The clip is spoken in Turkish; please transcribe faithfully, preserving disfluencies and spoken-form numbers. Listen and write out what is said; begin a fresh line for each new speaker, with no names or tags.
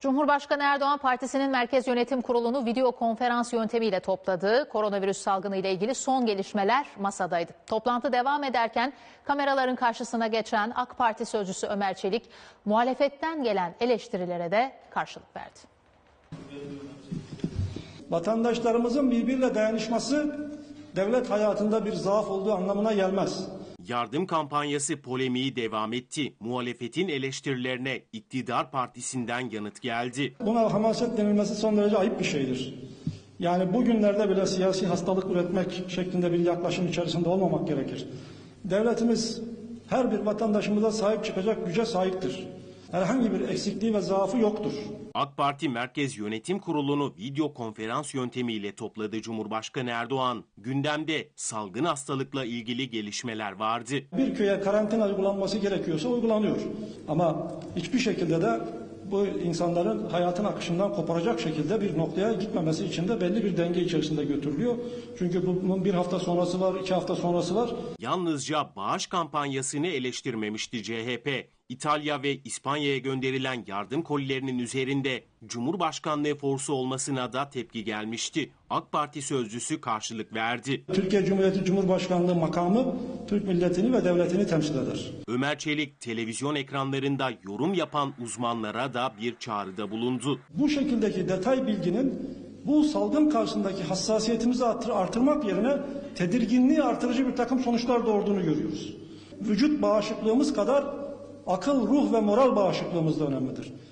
Cumhurbaşkanı Erdoğan partisinin Merkez Yönetim Kurulu'nu video konferans yöntemiyle topladı. Koronavirüs salgını ile ilgili son gelişmeler masadaydı. Toplantı devam ederken kameraların karşısına geçen AK Parti sözcüsü Ömer Çelik, muhalefetten gelen eleştirilere de karşılık verdi.
Vatandaşlarımızın birbiriyle dayanışması devlet hayatında bir zaaf olduğu anlamına gelmez.
Yardım kampanyası polemiği devam etti. Muhalefetin eleştirilerine iktidar partisinden yanıt geldi.
Buna hamaset denilmesi son derece ayıp bir şeydir. Yani bugünlerde bile siyasi hastalık üretmek şeklinde bir yaklaşım içerisinde olmamak gerekir. Devletimiz her bir vatandaşımıza sahip çıkacak güce sahiptir. Herhangi bir eksikliği ve zaafı yoktur.
AK Parti Merkez Yönetim Kurulu'nu video konferans yöntemiyle topladı Cumhurbaşkanı Erdoğan. Gündemde salgın hastalıkla ilgili gelişmeler vardı.
Bir köye karantina uygulanması gerekiyorsa uygulanıyor. Ama hiçbir şekilde de bu insanların hayatın akışından koparacak şekilde bir noktaya gitmemesi için de belli bir denge içerisinde götürülüyor. Çünkü bunun bir hafta sonrası var, iki hafta sonrası var.
Yalnızca bağış kampanyasını eleştirmemişti C H P. İtalya ve İspanya'ya gönderilen yardım kolilerinin üzerinde Cumhurbaşkanlığı forsu olmasına da tepki gelmişti. AK Parti sözcüsü karşılık verdi.
Türkiye Cumhuriyeti Cumhurbaşkanlığı makamı Türk milletini ve devletini temsil eder.
Ömer Çelik televizyon ekranlarında yorum yapan uzmanlara da bir çağrıda bulundu.
Bu şekildeki detay bilginin bu salgın karşısındaki hassasiyetimizi artırmak yerine tedirginliği artırıcı bir takım sonuçlar doğurduğunu görüyoruz. Vücut bağışıklığımız kadar akıl, ruh ve moral bağışıklığımız da önemlidir.